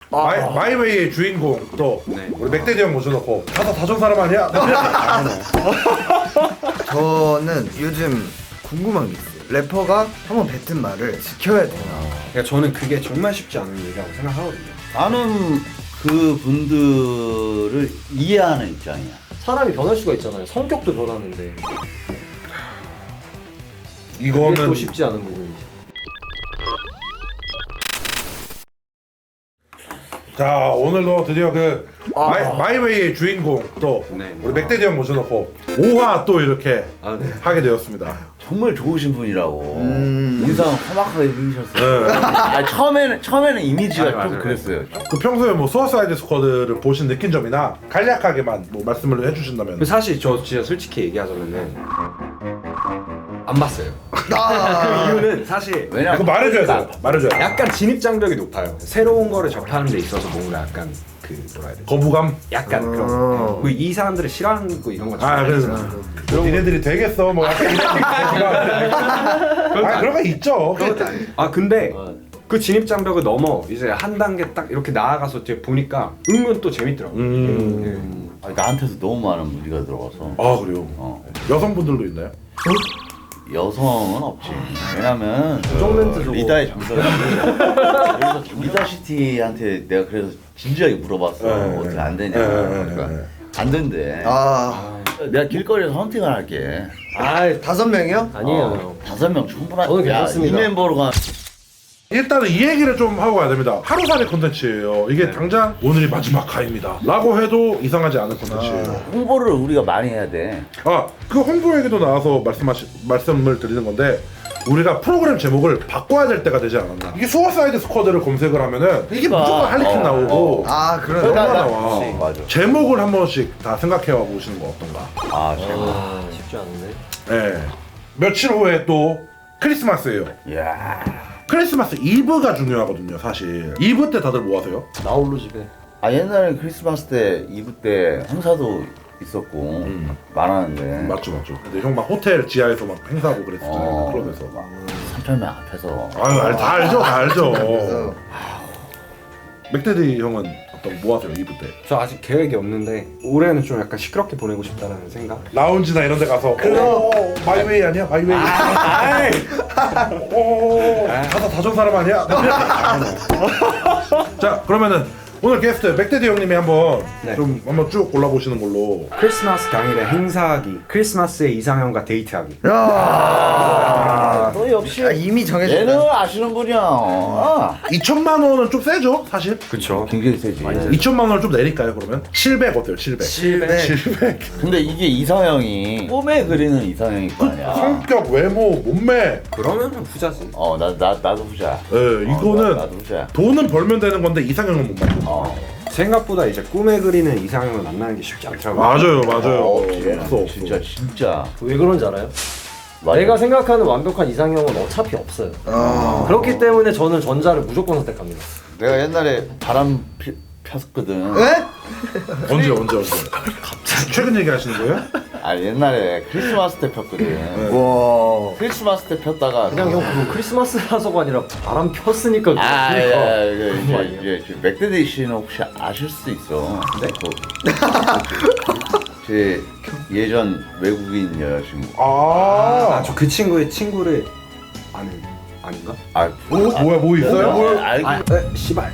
마이웨이의 주인공 또 우리 맥데디 형 모셔놓고 가사 다 준 사람 아니야? 저는 요즘 궁금한 게 있어요. 래퍼가 한번 뱉은 말을 지켜야 되나? 그러니까 저는 그게 정말 쉽지 않은 일이라고 생각하거든요. 나는 그 분들을 이해하는 입장이야. 사람이 변할 수가 있잖아요. 성격도 변하는데 그게 이거는 또 쉽지 않은 부분이죠. 자 오늘도 드디어 그 마이웨이의 주인공 또 네. 우리 맥데디 형 모셔놓고 5화 또 이렇게 하게 되었습니다. 정말 좋으신 분이라고. 인상 험악하게 생기셨어요. 네. 아, 처음에는 이미지가 맞아요, 좀 맞아요. 그랬어요. 그 평소에 뭐 수어사이드 스쿼드를 보신 느낀 점이나 간략하게만 뭐 말씀을 해주신다면. 사실 저 진짜 솔직히 얘기하자면은 안 봤어요. 그 이유는 사실 왜냐면 그거 말해줘야 돼. 말해줘야 돼. 약간 진입 장벽이 높아요. 새로운 거를 접하는 데 있어서 뭔가 약간 그 뭐라 해야 되지? 거부감. 약간 그런 이 사람들을 싫어하는 거 이런 거 아 그래서 니네들이 되겠어 뭐 약간 이런 그런 거 있죠. 아 근데 그 진입 장벽을 넘어 이제 한 단계 딱 이렇게 나아가서 이제 보니까 은근 또 재밌더라고요. 아니, 나한테도 너무 많은 무리가 들어가서. 아 그래요. 여성분들도 있나요? 여성은 없지. 왜냐면 정멘트 저거. 리다의 정석이 그래서 리다시티한테 내가 그래서 진지하게 물어봤어. 네, 어떻게 안 되냐. 네, 그러니까 네. 안 된대. 내가 길거리에서 헌팅을 할게. 아 5명이요? 아니에요. 5명 충분한. 저는 괜찮습니다. 이 멤버로가 일단은 이 얘기를 좀 하고 가야 됩니다. 하루살이 콘텐츠예요. 이게 당장 오늘이 마지막 화입니다 라고 해도 이상하지 않은 콘텐츠예요. 홍보를 우리가 많이 해야 돼. 그 홍보 얘기도 나와서 말씀을 드리는 건데 우리가 프로그램 제목을 바꿔야 될 때가 되지 않았나. 이게 수어사이드 스쿼드를 검색을 하면은 이게 무조건 할리퀸 나오고 그러네. 영화 나와. 맞아. 제목을 한 번씩 다 생각해 와 보시는 거 어떤가. 제목. 쉽지 않은데. 네. 며칠 후에 또 크리스마스예요. 이야. 크리스마스 이브가 중요하거든요 사실. 이브 때 다들 뭐 하세요? 나홀로 집에. 옛날에 크리스마스 때 이브 때 행사도 있었고 많았는데. 맞죠. 근데 형 막 호텔 지하에서 막 행사하고 그랬었잖아요. 클럽에서. 3,000명 앞에서. 아유 다 알죠. 그래서 맥데디 형은 뭐 하세요 이브 때? 저 아직 계획이 없는데 올해는 좀 약간 시끄럽게 보내고 싶다라는 생각. 라운지나 이런 데 가서 마이웨이 아니야? 마이웨이. 가사 다 준 사람 아니야? 자 그러면은 오늘 게스트 맥데디 형님이 한번 좀 한번 쭉 골라보시는 걸로. 크리스마스 당일에 행사하기, 크리스마스에 이상형과 데이트하기. 너 역시 이미 정해졌다. 얘는 아시는 분이야. 2천만 원은 좀 세죠 사실. 그쵸. 굉장히 세지. 2천만 원을 좀 내릴까요 그러면? 700 어때요? 700. 700. 근데 이게 이상형이 꿈에 그리는 이상형일 거 아니야. 성격, 외모, 몸매. 그러면 후자지. 나도 후자. 이거는 나도 후자. 돈은 벌면 되는 건데 이상형은 못 만든다. 생각보다 이제 꿈에 그리는 이상형을 만나는 게 쉽지 않더라고요. 맞아요. 없어. 진짜. 왜 그런지 알아요? 맞아. 내가 생각하는 완벽한 이상형은 어차피 없어요. 그렇기 때문에 저는 전자를 무조건 선택합니다. 내가 옛날에 바람 폈거든. 에? 언제? 최근 얘기하시는 거예요? 옛날에 크리스마스 때 폈거든. 와. 크리스마스 때 폈다가 그냥 형 그거 크리스마스라서가 아니라 바람 폈으니까 그러니까. 이제 맥데디 씨는 혹시 아실 수도 있어. 네? 제 예전 외국인 여자친구. 저 그 친구의 친구를 아는 아닌가? 뭐 있어요? 알고. 씨발.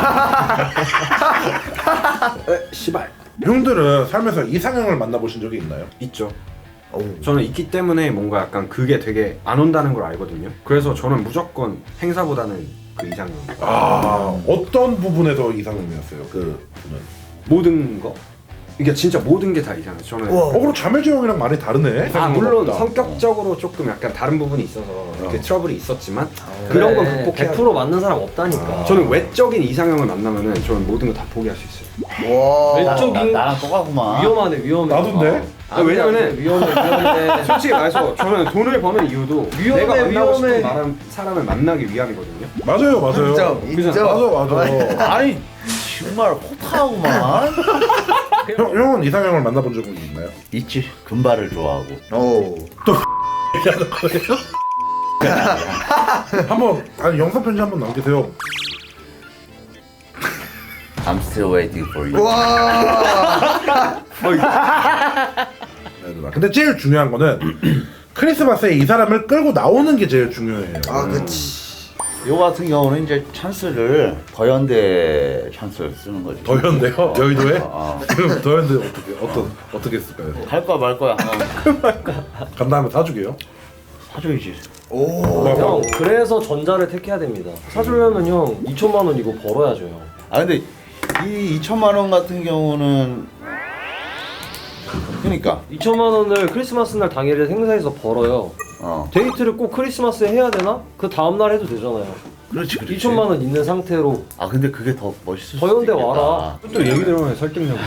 씨발. 형들은 살면서 이상형을 만나보신 적이 있나요? 있죠. 저는 있기 때문에 뭔가 약간 그게 되게 안 온다는 걸 알거든요. 그래서 저는 무조건 행사보다는 그 이상형. 어떤 부분에서 이상형이었어요? 그 분은? 모든 거? 이게 진짜 모든 게 다 이상해요. 저는. 그럼 자매지 형이랑 많이 다르네? 물론 없다. 성격적으로 조금 약간 다른 부분이 있어서 이렇게 트러블이 있었지만 그런 건 극복해야 100% 맞는 사람 없다니까. 저는 외적인 이상형을 만나면은 저는 모든 거 다 포기할 수 있어요. 와. 외적인 나랑 똑같구만. 위험해. 나도인데? 왜냐면은 위험해. 솔직히 말해서 저는 돈을 버는 이유도 위험해, 내가 만나고 싶은 위험해. 사람을 만나기 위함이거든요. 맞아요. 인정. 맞아. 아니 정말 호탕하구만. 형은 이상형을 만나본 적은 있나요? 있지. 금발을 좋아하고. 한번 영상 편지 한번 남기세요. I'm still waiting for you. 와. 네, 누나. 근데 제일 중요한 거는 크리스마스에 이 사람을 끌고 나오는 게 제일 중요해요. 아 그치. 요 같은 경우는 이제 찬스를 더현대 찬스를 쓰는 거지. 더현대요? 여의도에? 어. 그럼 더현대 어떻게 쓸까요? 할 거야 말 거야. 간 다음에 사주게요? 사줘야지. 오. 형 그래서 전자를 택해야 됩니다. 사주려면 형 2천만 원 이거 벌어야죠 형. 아 근데 이 2천만 원 같은 경우는 그러니까 2천만 원을 크리스마스 날 당일에 행사에서 벌어요. 데이트를 꼭 크리스마스에 해야 되나? 그 다음날 해도 되잖아요. 그렇지 그렇지. 2천만 원 있는 상태로 아 근데 그게 더 멋있을 수도 더현대 있겠다. 와라. 또 얘기 들으면 설득력.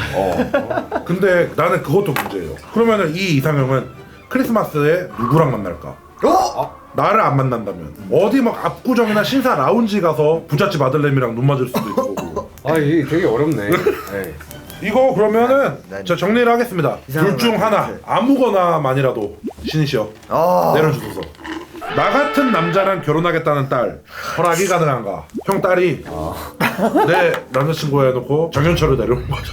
근데 나는 그것도 문제예요. 그러면은 이 이상형은 크리스마스에 누구랑 만날까? 나를 안 만난다면 어디 막 압구정이나 신사 라운지 가서 부잣집 아들내미랑 눈 맞을 수도 있고. 아 이게 되게 어렵네. 네. 이거 그러면은 저 정리를 하겠습니다. 이상한 둘 중 말 하나 같아. 아무거나만이라도 신이시여 아. 내려주소서. 나 같은 남자랑 결혼하겠다는 딸 허락이 가능한가? 형 딸이 내 남자친구 해놓고 정현철을 내려오는 거죠.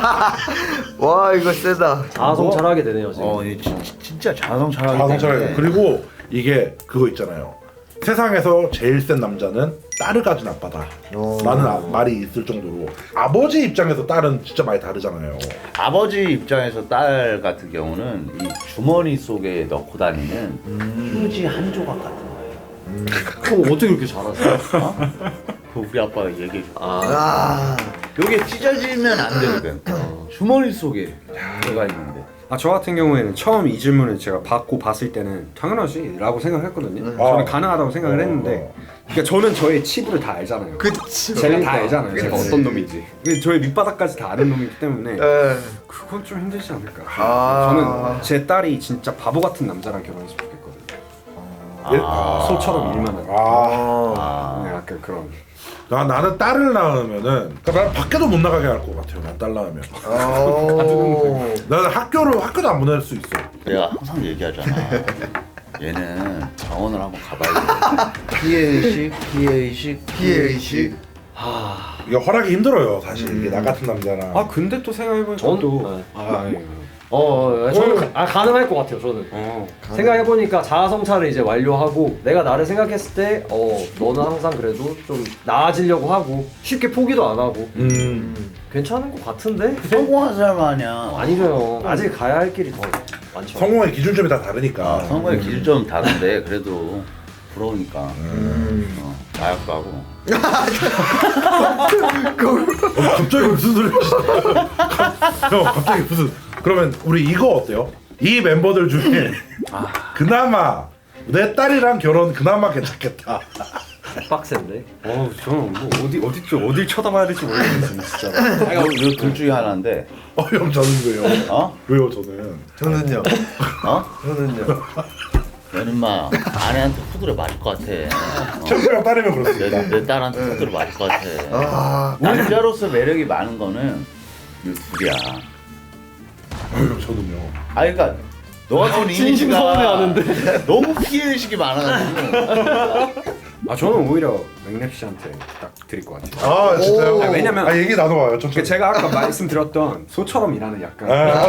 와 이거 세다. 자아성찰하게 되네요 지금. 이 진짜 자성찰하기 자동차를 때문에. 그리고 이게 그거 있잖아요. 세상에서 제일 센 남자는 딸을 가진 아빠다. 라는 말이 있을 정도로 아버지 입장에서 딸은 진짜 많이 다르잖아요. 아버지 입장에서 딸 같은 경우는 이 주머니 속에 넣고 다니는 휴지 한 조각 같은 거예요. 형 어떻게 그렇게 잘하세요? 그 우리 아빠가 얘기해 줘. 아. 요게 찢어지면 안 되거든. 주머니 속에 들어가 있는데. 아 저 같은 경우에는 처음 이 질문을 제가 받고 봤을 때는 당연하지 라고 생각했거든요. 저는 가능하다고 생각을 했는데 그러니까 저는 저의 치부를 다 알잖아요. 그치. 제가 다 알잖아요. 제가 어떤 놈인지. 저의 밑바닥까지 다 아는 놈이기 때문에 에. 그건 좀 힘들지 않을까. 아. 저는 제 딸이 진짜 바보 같은 남자랑 결혼했으면 좋겠거든요. 소처럼 일만 하고. 네, 약간 그런. 나는 딸을 낳으면은 그러니까 난 밖에도 못 나가게 할 것 같아요. 난 딸 낳으면 오. 나는 학교도 안 보낼 수 있어. 내가 항상 얘기하잖아. 얘는 병원을 한번 가봐야 돼. 피해의식, 피해의식, 피해의식. 이게 허락이 힘들어요. 사실 이게 나 같은 남자랑. 아 근데 또 생각해보니까 전- 또 네. 아니, 저는 가능할 것 같아요 저는. 생각해보니까 자아성찰을 이제 완료하고 내가 나를 생각했을 때 너는 항상 그래도 좀 나아지려고 하고 쉽게 포기도 안 하고 괜찮은 것 같은데? 성공한 사람 아니야. 아니죠 형. 아직 가야 할 길이 더 많죠. 성공의 기준점이 다 다르니까. 성공의 기준점은 다른데 그래도 부러우니까. 마약도 하고. 갑자기 무슨 소리? 형 갑자기 무슨? 그러면 우리 이거 어때요? 이 멤버들 중에 그나마 내 딸이랑 결혼 그나마 괜찮겠다. 빡센데? 저는 뭐 어딜 쳐다봐야 될지 모르겠어요 진짜. 이거 둘 중에 하나인데. 형 저는 왜요? 어? 왜요 저는? 저는요. 어? 저는요. 너는 마 아내한테 후드려 맞을 것 같아. 챔피언 딸이면 그렇습니다. 내 딸한테 후드려 맞을 것 같아. 아. 남자로서 매력이 많은 거는 이 둘이야. 형 저는요. 아 그러니까 너 같은 진심 이미지가 서운해하는데. 너무 피해의식이 많아가지고. 아 저는 오히려 맥랩 씨한테 딱 드릴 것 같아요. 아 진짜요? 아, 왜냐면- 아 얘기 나눠봐요. 그러니까 천천히. 제가 아까 말씀드렸던 소처럼 일하는 약간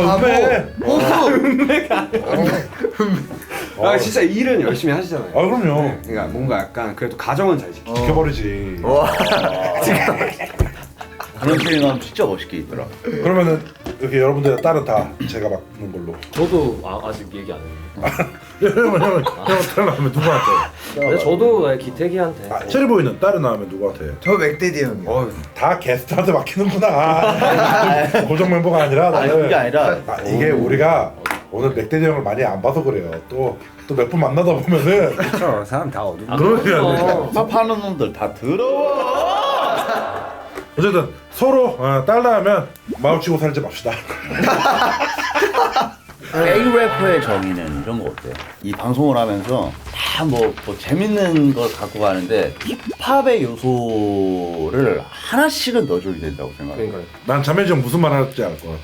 음메. 진짜 일은 열심히 하시잖아요. 아 그럼요. 네, 그러니까 뭔가 약간 그래도 가정은 잘 지키고 지켜버리지. 그런 표현하면 진짜 멋있게 있더라. 그러면은 이렇게 여러분들의 딸은 다 제가 맡는 걸로. 저도 아직 얘기 안 했는데. 형 딸 낳으면 누구한테? 근데 저도 기태기한테. 체리보이는 딸을 낳으면 누구한테? 저 맥데디 형이요. 다 게스트한테 맡기는구나. 고정 멤버가 아니라 아니 나는. 그게 아니라 이게 우리가 오늘 맥데디 형을 많이 안 봐서 그래요. 또 몇 분 만나다 보면은 그렇죠. 사람 다 어두운. 그러면 파파하는 놈들 다 더러워. 어쨌든 서로 딸 낳으면 마주치고 살지 맙시다. A-래퍼의 정의는 이런 거 어때? 이 방송을 하면서 다 뭐 재밌는 걸 갖고 가는데 힙합의 요소를 하나씩은 넣어줘야 된다고 생각해. 그러니까요. 난 자매지 형 무슨 말 할지 알 거야.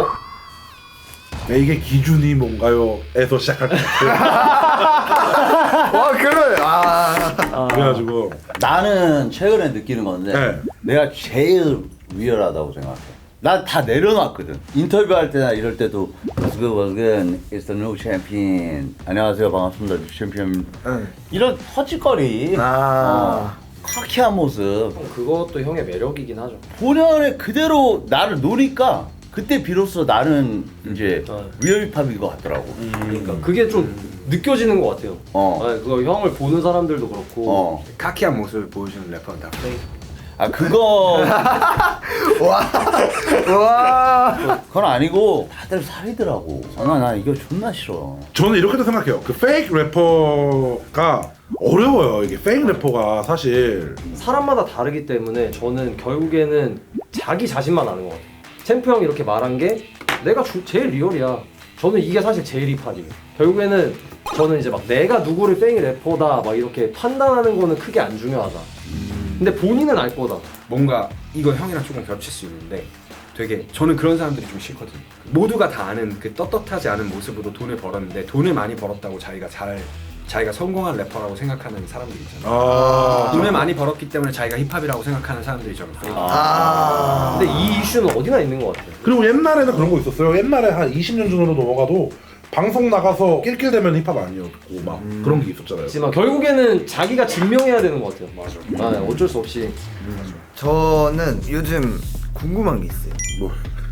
이게 기준이 뭔가요? 에서 시작할 것 같아. 와 그래. 아. 그래가지고 나는 최근에 느끼는 건데 네. 내가 제일 위험하다고 생각해. 난 다 내려놨거든. 인터뷰할 때나 이럴 때도 What's good, it's the new champion. 안녕하세요, 반갑습니다, 챔피언. 응. 이런 터치거리, 카키한 모습, 그것도 형의 매력이긴 하죠. 본연의 그대로 나를 노니까 그때 비로소 나는 이제 리얼 힙합인 것 같더라고. 그러니까 그게 좀 느껴지는 것 같아요. 그거 형을 보는 사람들도 그렇고. 카키한 모습을 보여주는 래퍼는 다 페이크. 아 그거 와. 그건 아니고 다들 살이더라고. 나 이거 존나 싫어. 저는 이렇게도 생각해요. 그 페이크 래퍼가 어려워요. 이게 페이크 래퍼가 사실 사람마다 다르기 때문에 저는 결국에는 자기 자신만 아는 것 같아요. 챔프 형이 이렇게 말한 게 내가 제일 리얼이야. 저는 이게 사실 제일 힙합이에요. 결국에는 저는 이제 막 내가 누구를 페이크 래퍼다 막 이렇게 판단하는 거는 크게 안 중요하다. 근데 본인은 알 거다. 뭔가 이거 형이랑 조금 겹칠 수 있는데 되게 저는 그런 사람들이 좀 싫거든요. 모두가 다 아는 그 떳떳하지 않은 모습으로 돈을 벌었는데 돈을 많이 벌었다고 자기가 성공한 래퍼라고 생각하는 사람들 있잖아요. 돈을 많이 벌었기 때문에 자기가 힙합이라고 생각하는 사람들이 저는 페이크. 근데 이 이슈는 어디나 있는 것 같아요. 그리고 옛날에는 그런 거 있었어요. 옛날에 한 20년 전으로 넘어가도 방송 나가서 낄낄대면 힙합 아니었고 막 그런 게 있었잖아요. 하지만 결국에는 자기가 증명해야 되는 것 같아요. 맞아. 어쩔 수 없이. 저는 요즘 궁금한 게 있어요. 뭐?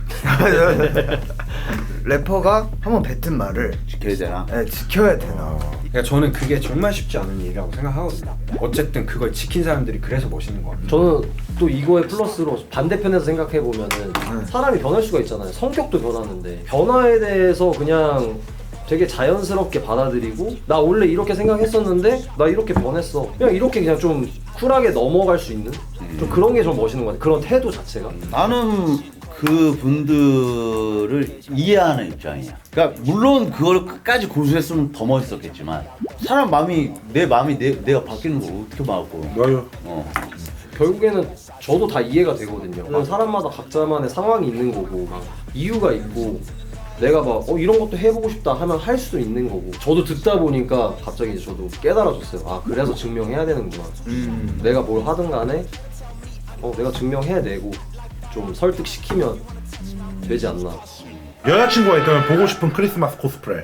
래퍼가 한번 뱉은 말을 지켜야 되나? 지켜야 되나? 그러니까 저는 그게 정말 쉽지 않은 일이라고 생각하거든요. 어쨌든 그걸 지킨 사람들이 그래서 멋있는 것 같아요. 저는 또 이거에 플러스로 반대편에서 생각해 보면은 사람이 변할 수가 있잖아요. 성격도 변하는데 변화에 대해서 그냥 되게 자연스럽게 받아들이고 나 원래 이렇게 생각했었는데 나 이렇게 변했어. 그냥 좀 쿨하게 넘어갈 수 있는 좀 그런 게 좀 멋있는 것 같아요. 그런 태도 자체가. 나는 그 분들을 이해하는 입장이야. 그러니까 물론 그걸 끝까지 고수했으면 더 멋있었겠지만 사람 마음이 내 마음이 내가 바뀌는 걸 어떻게 막고? 맞아요. 결국에는 저도 다 이해가 되거든요. 사람마다 각자만의 상황이 있는 거고 막 이유가 있고 내가 막 이런 것도 해보고 싶다 하면 할 수도 있는 거고 저도 듣다 보니까 갑자기 이제 저도 깨달아졌어요. 아 그래서 증명해야 되는구나. 내가 뭘 하든 간에 내가 증명해내고 좀 설득시키면 되지 않나. 여자친구가 있다면 보고 싶은 크리스마스 코스프레.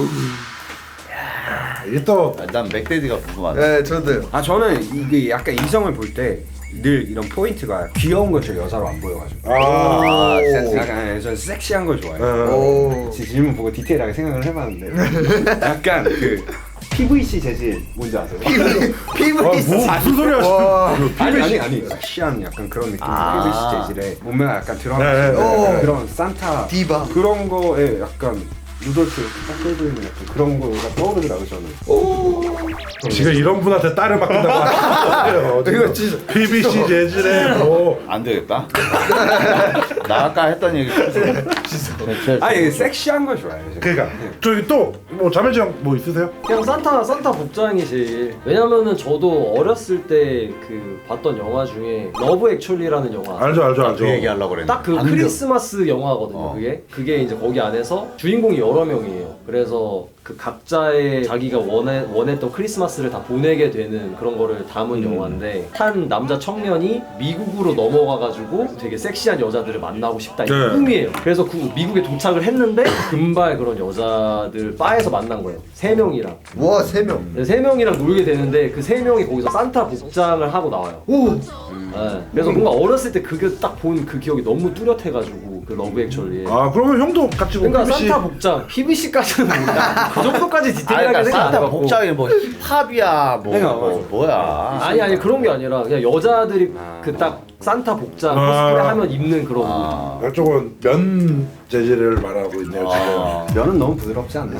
이게 또 난 맥데디가 궁금하다. 네, 저도요. 저는 이게 약간 이성을 볼 때 늘 이런 포인트가 귀여운 걸 저 여자로 안 보여가지고 약간 저는 섹시한 걸 좋아해요. 질문 보고 디테일하게 생각을 해봤는데 약간 그 PVC 재질 뭔지 아세요? PVC. 무슨 소리 하시는? 아니 섹시한 약간 그런 느낌. PVC 재질에 몸매가 약간 드러나는 네. 그런 산타 디바. 그런 거에 약간 루돌프 이렇게 딱 끌고 있는 약간 그런 거가 떠오르더라고요 저는. 지금 이런 분한테 딸을 바꾼다고 하세요. 이거 진짜 PVC 재질에 뭐 안 되겠다. 나 아까 했던 얘기 아니 섹시한 걸 좋아해요. 제가. 그러니까 저기 또 뭐 자매지 형 뭐 있으세요? 그냥 산타 복장이 제일. 왜냐면은 저도 어렸을 때 그 봤던 영화 중에 러브 액츄얼리라는 영화. 알죠. 그 얘기하려고 그랬는데. 딱 그 크리스마스 영화거든요. 그게 이제 거기 안에서 주인공이 여러 명이에요. 그래서 그 각자의 자기가 원했던 크리스마스를 다 보내게 되는 그런 거를 담은 영화인데 한 남자 청년이 미국으로 넘어가가지고 되게 섹시한 여자들을 만나고 싶다 이 네. 꿈이에요. 그래서 그 미국에 도착을 했는데 금발 그런 여자들 바에서 만난 거예요. 3명이랑. 와, 3명. 3명이랑 놀게 되는데 그 3명이 거기서 산타 복장을 하고 나와요. 네. 그래서 뭔가 어렸을 때 그게 딱 본 그 기억이 너무 뚜렷해가지고 그 러브 액츄얼리에. 아 그러면 형도 같이 뭐 그러니까 PVC 산타 복장, PVC까지는 몰라. 그 정도까지 디테일하게 그러니까 생각 안 산타 해봤고. 복장이 뭐 힙합이야 맞아. 뭐야? 아니 그런 게 아니라 그냥 여자들이 그 딱 산타 복장 코스프레 하면 입는 그런 옷. 이쪽은 면 재질을 말하고 있네요 지금. 면은 너무 부드럽지 않나요?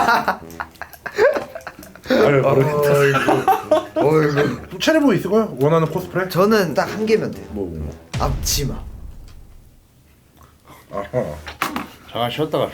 아니 모르겠다. 어이구. 체리보 있을까요? 원하는 코스프레? 저는 딱 한 개면 돼요. 뭐. 앞치마. 아하. 잠깐 쉬었다가.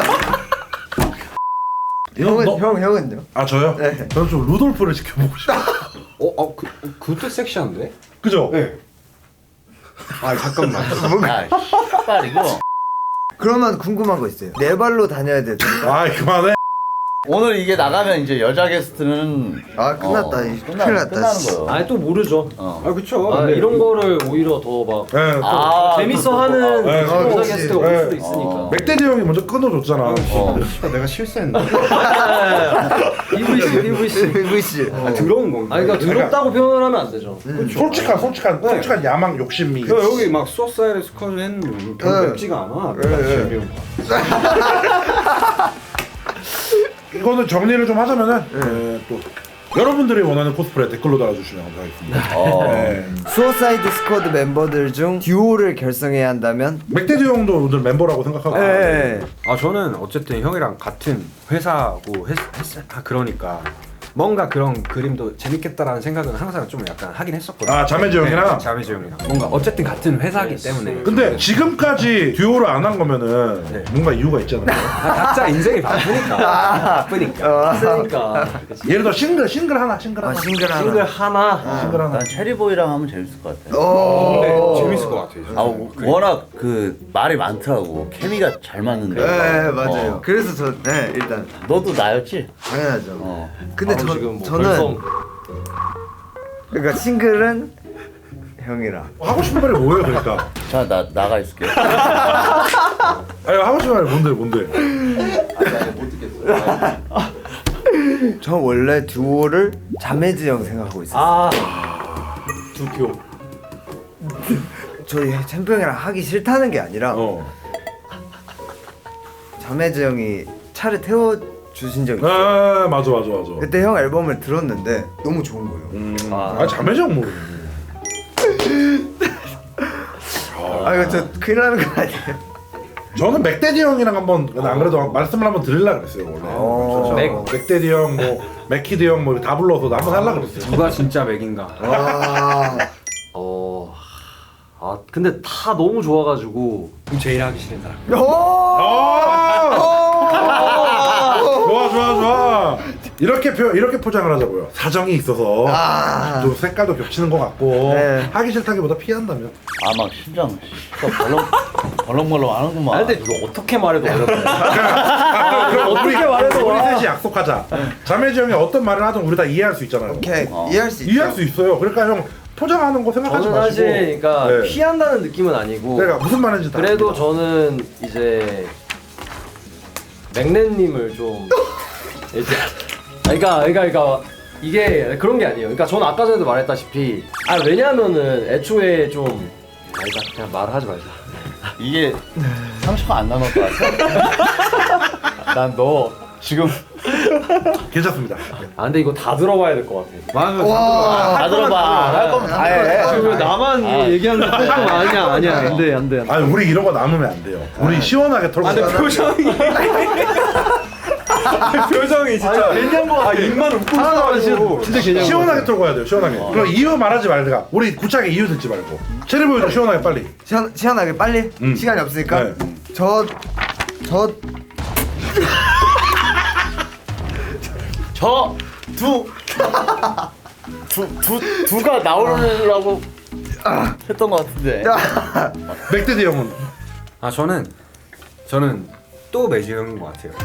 형은요? 아 저요? 네. 저는 좀 루돌프를 지켜보고 싶어요. 그것도 섹시한데? 그죠? 네. 아 잠깐만. 야, 씨발 이거. 그러면 궁금한 거 있어요. 네 발로 다녀야 되죠? 아 그만해. 오늘 이게 나가면 이제 여자 게스트는 아 끝났다. 이 큰일 났다. 끝나는 거예요. 아니 또 모르죠. 아 그쵸. 아, 근데 이런 거를 오히려 더 막 네, 또 아, 재밌어하는 네, 여자 그렇지. 게스트가 올 네. 수도 있으니까. 맥데디 형이 먼저 끊어줬잖아. 내가 실수했나? PVC. VC. 아, 더러운 건가? 아니 그러니까 더럽다고 표현을 하면 안 되죠. 솔직한 야망 욕심이. 여기 막 수어사이드 스쿼드 했는데 별로 네. 맵지가 않아. 네. 이거는 정리를 좀 하자면은 또 여러분들이 원하는 코스프레 댓글로 달아주시면 감사하겠습니다. 네. 수어사이드 스쿼드 멤버들 중 듀오를 결성해야 한다면? 맥데디 형도 오늘 멤버라고 생각하고. 네. 아 저는 어쨌든 형이랑 같은 회사고 그러니까 뭔가 그런 그림도 재밌겠다라는 생각은 항상 좀 약간 하긴 했었거든요. 아, 자매지 형이랑? 네, 자매지 형이랑 뭔가 어쨌든 같은 회사기 때문에. 근데 지금까지 듀오를 안 한 거면은 네. 뭔가 이유가 있잖아요. 각자 인생이 바쁘니까. 그러니까 예를 들어 싱글 하나. 싱글 싱글 하나. 하나. 싱글 하나. 난 체리보이랑 하면 재밌을 것 같아. 오. 재밌을 것 같아요. 아 워낙 그 말이 많더라고. 케미가 잘 맞는데. 네 맞아요. 어. 그래서 저 네 일단 너도 나였지? 당연하죠. 어. 근데 바로 지금 뭐 저는 벌써 그러니까 싱글은 형이랑. 하고 싶은 말이 뭐예요, 그러니까? 자 나가 있을게. 아니 하고 싶은 말이 뭔데? 못 듣겠어. 저 원래 듀오를 자매지 형 생각하고 있었어요. 두표. 저희 챔피언이랑 하기 싫다는 게 아니라 자매지 형이 차를 태워 주신 적이 있어요. 아 맞아. 그때 형 앨범을 들었는데 너무 좋은 거예요. 아 자매지 형 모르. 아 이거 저 큰일 나는 거 아니에요? 저는 맥데디 형이랑 한번 안 그래도 말씀을 한번 드리려고 그랬어요 원래. 맥데디 형, 뭐 맥키드 형 뭐 다 불러서 한번 하려고 그랬어요. 누가 진짜 맥인가? 근데 다 너무 좋아가지고 그럼 제일 하기 싫은 사람. 좋아. 이렇게 포장을 하자고요. 사정이 있어서 또 색깔도 겹치는 것 같고 네. 하기 싫다기보다 피한다면. 아막 심장 벌렁벌렁 하는구만. 아니 근데 이거 어떻게 말해도 어렵네. 그럼 어떻게 말해도 우리 와. 셋이 약속하자. 자매지 형이 어떤 말을 하든 우리 다 이해할 수 있잖아요. 오케이 이해할 수 있죠. 이해할 수 있어요. 그러니까 형 포장하는 거 생각하지 저는 마시고. 사실 그러니까 네. 피한다는 느낌은 아니고 내가 무슨 말인지 다. 그래도 압니다. 저는 이제 맥렌님을 좀 이제 그러니까 이게 그런 게 아니에요. 그러니까 저는 아까 전에도 말했다시피 왜냐하면은 애초에 좀 그냥 말하지 말자. 이게 상처가 안 남을 것 같아. 난 너 지금 괜찮습니다. 근데 이거 다 들어봐야 될 것 같아. 와. 다 들어봐. 할 거면 다 해. 지금 왜 나만 얘기하는 거 아니야. 안 돼. 아니 우리 이런 거 남으면 안 돼요. 우리 시원하게 털고. 근데 표정이 진짜 괜찮은 거 같아. 입만 웃고 있어가지고. 진짜 개념. 시원하게 털고 가야 돼요. 시원하게. 그럼 이유 말하지 말자. 우리 구차하게 이유 듣지 말고. 체리보이도 시원하게 빨리. 시원하게 빨리 시간이 없으니까 네. 저 두가 나오려고 했던 것 같은데. 맥데디 형은 저는 또 매지 형인 것 같아요.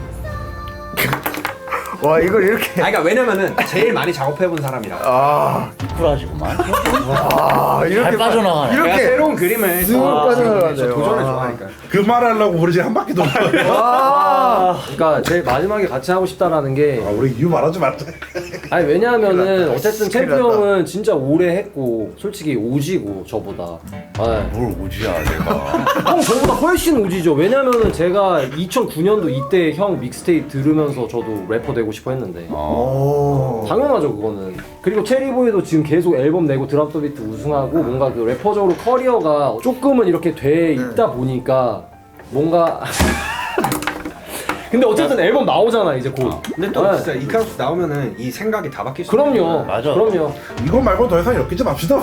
와 이걸 이렇게 그러니까 왜냐면은 제일 많이 작업해본 사람이라. 쿨하시구만. 이렇게 잘 빠져나가네. 내가 이렇게 새로운 그림을 쑥 빠져나가네요. 저 도전을 좋아하니까. 그 말하려고 우리 지금 한 바퀴 도는 거예요. 그러니까 제일 마지막에 같이 하고 싶다라는 게 우리 이유 말하지 말자. 왜냐하면은 어쨌든 챔프 형은 진짜 오래 했고 솔직히 오지고 저보다. 뭘 오지야 내가. 형 저보다 훨씬 오지죠. 왜냐면은 제가 2009년도 이때 형 믹스테이프 들으면서 저도 래퍼 되고 싶어 했는데 당연하죠 그거는. 그리고 체리보이도 지금 계속 앨범 내고 드랍 더 비트 우승하고 뭔가 그 래퍼적으로 커리어가 조금은 이렇게 돼 있다 보니까 뭔가 근데 어쨌든 앨범 나오잖아 이제 곧. 근데 또 진짜 이카루스 나오면은 이 생각이 다 바뀔 수 그럼요. 맞아. 그럼요. 이거 말고 더 이상 엮이지 맙시다.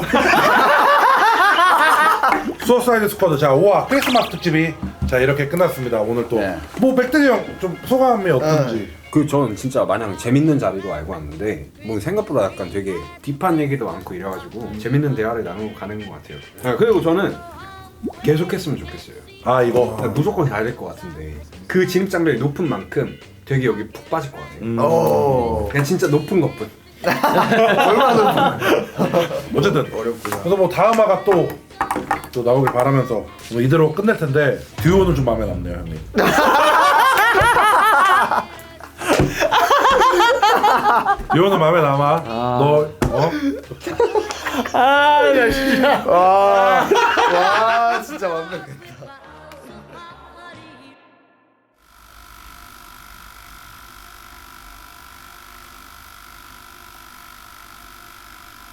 수어사이드 스쿼드 자 5화 크리스마스 특집이 자 이렇게 끝났습니다. 오늘 또 네. 뭐 맥데디 형 좀 소감이 어떤지. 저는 진짜 마냥 재밌는 자리로 알고 왔는데 뭐 생각보다 약간 되게 딥한 얘기도 많고 이래가지고 재밌는 대화를 나누고 가는 것 같아요. 그리고 저는 계속했으면 좋겠어요. 아 이거 무조건 가야 될 것 같은데 그 진입 장벽이 높은 만큼 되게 여기 푹 빠질 것 같아요. 오. 그냥 진짜 높은 것뿐. 얼마나 높은. 어쨌든 어렵구나. 그래서 뭐 다음 화가 또 나오길 바라면서 뭐 이대로 끝낼 텐데 듀오는 좀 마음에 남네요 형님. 듀오는 마음에 남아. 너 와 진짜 완벽해.